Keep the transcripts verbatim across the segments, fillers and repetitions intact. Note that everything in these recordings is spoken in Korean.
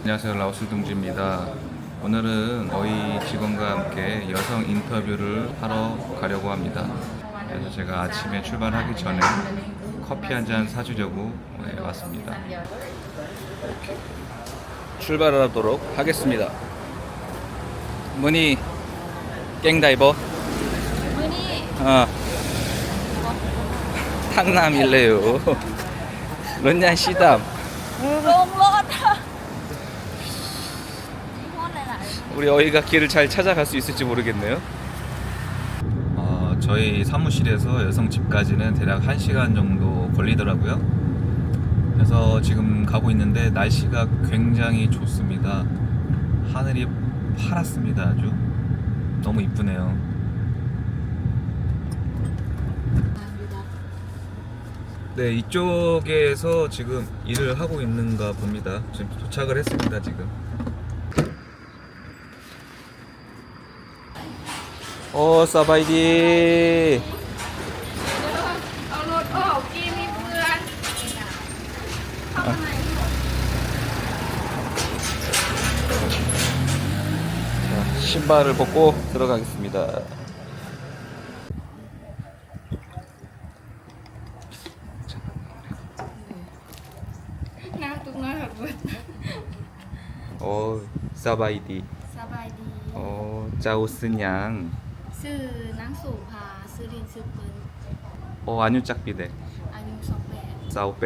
안녕하세요, 라오스 동지입니다. 오늘은 저희 직원과 함께 여성 인터뷰를 하러 가려고 합니다. 그래서 제가 아침에 출발하기 전에 커피 한 잔 사주려고 왔습니다. 이렇게 출발하도록 하겠습니다. 뭐니 깽다이버? 뭐니? 어. 탕남일래요. 런냐 시담. 롱로다. 우리 어이가 길을 잘 찾아갈 수 있을지 모르겠네요. 어, 저희 사무실에서 여성 집까지는 대략 한 시간 정도 걸리더라고요. 그래서 지금 가고 있는데 날씨가 굉장히 좋습니다. 하늘이 파랗습니다. 아주 너무 이쁘네요. 네, 이쪽에서 지금 일을 하고 있는가 봅니다. 지금 도착을 했습니다. 지금. 오, 사바이디. 자, 신발을 벗고 들어가겠습니다. 오, 사바이디. สบายดี 오, 짜오스냥. ชื่อนางสุภาชื่อลินชื่อเปิ้ล 오, 안유짝비데. อายุสองแปด 사오베.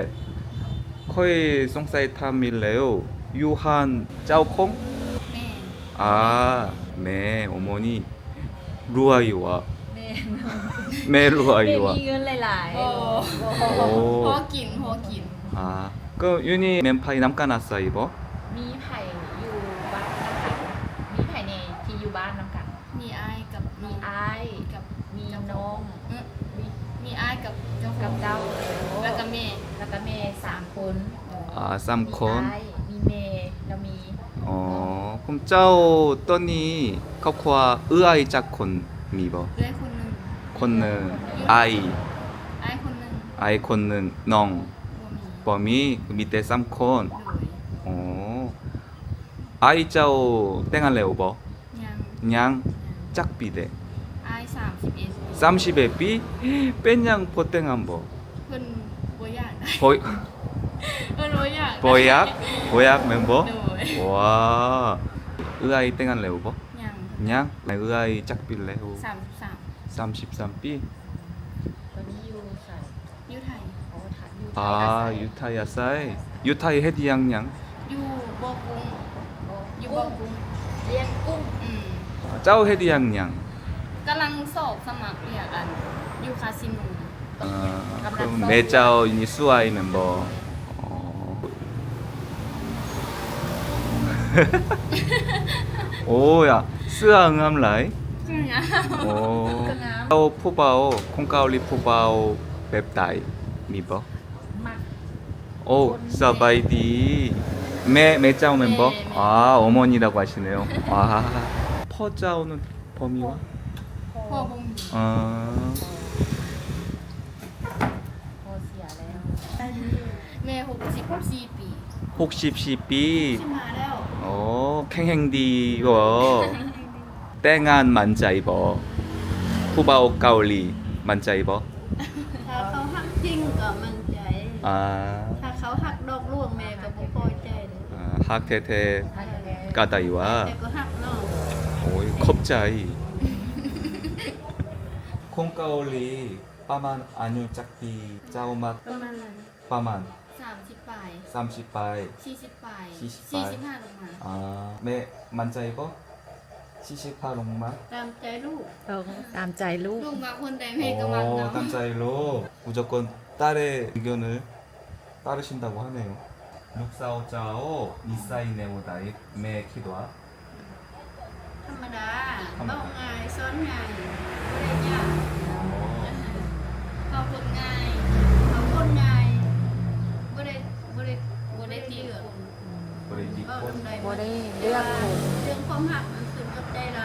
코이 송사이 탐밀레요. 유한 짜오콩? แม่ 아, 네, 어머니 루아이와 แม่ 매 เด็ก 루아이와. มีเงินหลายโอ้ 오. พอกินพอกิน 아, 그 유니 멘파이 남까나싸 이버? ๆ มีไผ่อยู่บ้านน้ำกันมีไผ่ในที่อยู่บ้านน้ำกันมีอ้ายกับมีมีอ้ายกับมีน้องเอ๊ะมีมีอ้ายกับเจ้าขกัอบ งเจ้าแล้วก็แม่แล้วก็แม่สามคน 아, มี 쌈콘. อ้ายมีเมย์แล้วมี 어, 그럼 짜오 떠니 커코아 으아이 짝콘 미버. เอื้อยคนหนึ่ง 콘는 아이, อ้ายคนหนึ่ง 아이 콘는 농, บ่มี 범이 그 밑에 쌈콘. เลย 어, 아이 짜오 땡할래 오버. ยัง 냥 짝비데. อ้ายสามสิบเอ็ด 쌈십에 삐 뺀냥 포땡한 버. เพิ่นบ่อยากได้ 보이 เพิ่นบ่อยากได้ 보약 보약 멤버. เลย 와, 으아이 땡할래 오버. ยัง 냥 으아이 짝빌래 오. สามสิบสาม 삼십삼 삐. ตอนนี้อยู่ใส่อยู่ไทยโอ้ถัดอยู่ไทย 아, อาศัย 유타이 아싸이. 유타이 헤디양냥. อยู่บ่อกุ้งโอ้อยู่บ่อกุ้งเลี้ยงกุ้งอืม 아, 짜오 헤디양냥. กำลังสอบสมัครเรียนอันอยู่คาสิโน 어, 그럼 매짜오 유니 수아이 멤버. 어. 오야, 스아 응암라이. คือหยัง 오. 짜오 포바오 콩카올리 포바오 맵다이 미버. มัก 오, 사바이디. 매 매짜오 멤버. 아, 어머니라고 하시네요. 아, 퍼짜오는 범위와. พ่อบ่มี 어. พอเสียแล้วแม่หกสิบสี่ปี 혹시 시삐. ขึ้นมาแล้ว 어, 팽행디워. 땡한 만짜이버. 후바오 까올리 만짜이버. ถ้าเขาหักจริงก็มั่นใจ 아, ถ้าเขาหักดอกล่วงแม่ก็บ่พอใจเลย 아 학테테 ถ้าอย่างนี้ 까다이와. แต่ก็หักน้อง 오이 컵짜이. 콩까올리 빠만 안유 짝비 짜오맛 ประมาณนั้น 빠만 สามสิบปลาย 삼십바이. สี่สิบปลายสี่สิบปสี่ลายสิบห้าลงมา 아, 매 만짜이버. 시시파롱마. ตามใจลูกต้องตามใจลูกลูกมาคนใดแม่ก็มัก 오, เนาะ 땀짜이로 무조건 딸의 의견을 따르신다고 하네요. 룩사오짜오 니사이 네오다이 매 키도아. ธรรมดาเบ้าง่ายสอนง่ายบ่ได้ยากเขาคนง่ายเขาคนง่ายบ่ได้บ่ได้บ่ได้ตีเอือ 우리 เบ้า 니꽃. ทำใดบ่ได้เลือกคนเรื่องความหักมันขึ้นกับใจเรา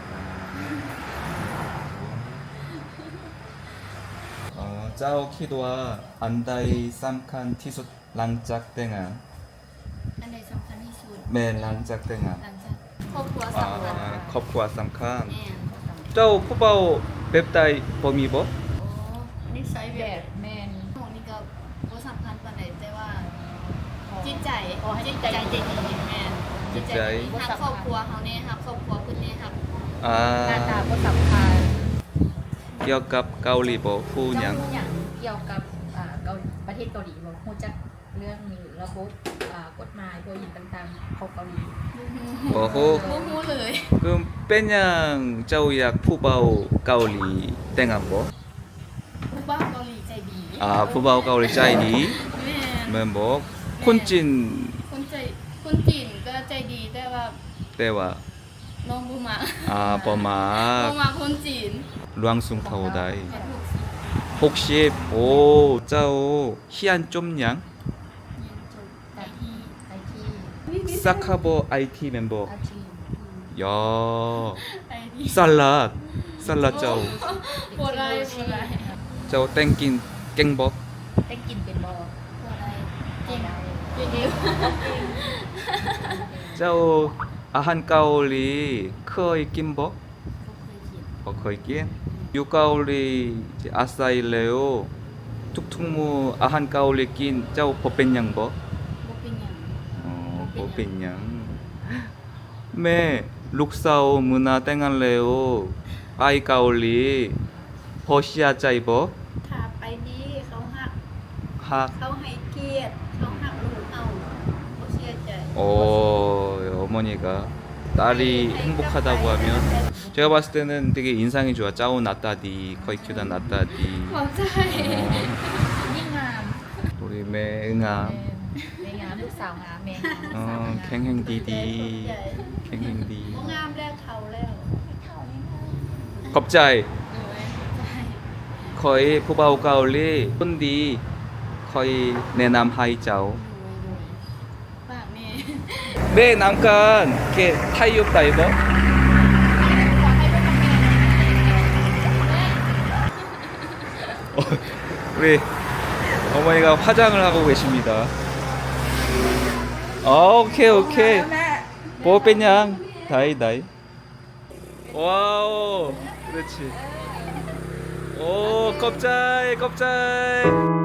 어, 짜오 키도아 안다이 쌈칸 티솥 랑짝 땡아. อันใดสำคัญที่สุดแม่หลังจากแต่งงานหลังจากครอบครัวอ่าสำคัญครอบครัวสำคัญแม่นเจ้าผู้เบาแบบใดบ่มีบ่โอ้นิสัยแบแบบ บแมนหนูนี่ก็บ่สำคัญปานใดแต่ว่า จิตใจขอให้จิตใจดีแม่นจิตใจดีฮักครอบครัวเฮาแน่ฮักครอบครัวเพิ่นแน่ฮักอ่าหน้าตาก็สำคัญเกี่ยวกับเกาหลีบ่ฮู้หยัเจ้าง อย่างเกี่ยวกับอ่าเกาประเทศเกาหลีบอกฮู้จักเรื่องระบบอ่ากฎหมายตัวยินต่างๆของเกาหลีบ่ฮู้บ่ฮู้เลย 그럼 빼냥 짜오약 푸바오 까올리 땡한 거? ผู้บ่าวเกาหลีใจดี 아 푸바오 까올리 짜이니 แม่น 멤버 콘찐 คนใจคนจีนก็ใจดีแต่ว่า 때와 น้องบ่มา 아 บ่ 버마 มาคนจีน 루앙숭 타오다이 แค่ถูกสิ 혹시 오 짜오 희안 쫌냥 เรียนจบไอทีไอที 사카버 아이티 멤버 อาชีพ 야 ไอที 살랏 살랏 짜오 บ่ได้บ่ได้ 짜오 땡낀 깽벅 ได้กินเป็นบอบ่ได้เก่งได้เก่งเอง 짜오 아한 까올리 크어이 낀벅 บ่เคยกิน 어, 거기 유가올리 이제 아사일레오 툭툭무 아한 가올리 낀 짜오 버벤양버 บ่เป็นหยัง 어 버벤양 매 룩사오 문화 땡할레오 아이 가올리 버시아 짜이버 ถ้าไปดีเขาหัก 학 เขาให้เกียรติเขาหักลูกเอาเขาเสียใจ 어, 어머니가 딸이 행복하다고 하면 제가 봤을 때는 되게 인상이 좋아. 짜오 나따디, 거의 큐다 나따디. ขอบใจยิ่งงาม 우리 매응아, แม่งามลูกสาวงามแม่งาม 어, ใจ 캥행디디, บ่ 캥행디. งามแล้วเท่าแล้ว 겁자이, เออใจ 거의 푸바오 가올리, 혼디, 거의 내남 하이짜오. ฝากแม่ 내 남간 게 타이업 다이버. ขอให้ลูกทำงาน 어, 우리 어머니가 화장을 하고 계십니다. 어, 오케이 오케이. 뭐 빼냥 다이 다이. 와우, 그렇지. 오, 껍질 껍질.